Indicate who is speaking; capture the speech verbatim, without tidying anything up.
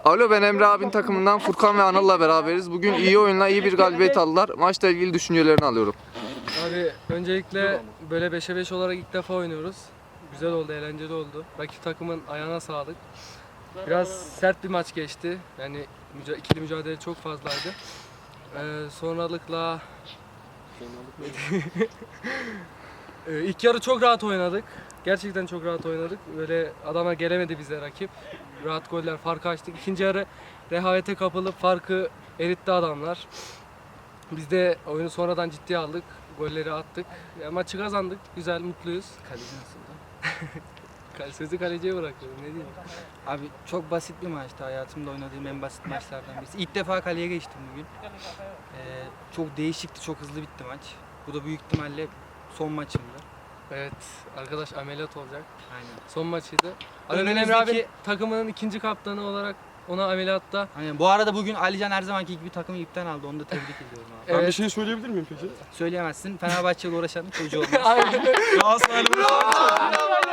Speaker 1: Alo, ben Emre abinin takımından Furkan ve Anıl'la beraberiz. Bugün iyi oyunla iyi bir galibiyet aldılar. Maçla ilgili düşüncelerini alıyorum.
Speaker 2: Abi öncelikle böyle beşe beş olarak ilk defa oynuyoruz. Güzel oldu, eğlenceli oldu. Rakip takımın ayağına sağlık. Biraz sert bir maç geçti. Yani müca ikili mücadele çok fazlaydı. Ee, sonralıkla ee, ilk yarı çok rahat oynadık. Gerçekten çok rahat oynadık. Böyle adama gelemedi bize rakip. Rahat goller, farkı açtık. İkinci yarı rehavete kapılıp farkı eritti adamlar. Biz de oyunu sonradan ciddiye aldık. Golleri attık. Ya, maçı kazandık. Güzel, mutluyuz.
Speaker 3: Kaleci nasıldı?
Speaker 2: Sözü kaleciye bırakıyorum. Ne diyeyim?
Speaker 3: Abi çok basit bir maçtı. Hayatımda oynadığım en basit maçlardan birisi. İlk defa kaleye geçtim bugün. Ee, çok değişikti, çok hızlı bitti maç. Bu da büyük ihtimalle son maçımdı.
Speaker 2: Evet, arkadaş ameliyat olacak.
Speaker 3: Aynen.
Speaker 2: Son maçıydı. Ali Emre
Speaker 3: Önümüzdeki-
Speaker 2: abi takımının ikinci kaptanı olarak ona ameliyatta.
Speaker 3: Aynen. Bu arada bugün Alican her zamanki gibi takımı ipten aldı. Onu da tebrik ediyorum abi.
Speaker 2: Evet.
Speaker 4: Ben bir şey söyleyebilir miyim peki?
Speaker 3: Söyleyemezsin. Fenerbahçe'yle uğraşanın çocuğu olmaz.
Speaker 2: Aynen.
Speaker 4: Galatasaraylı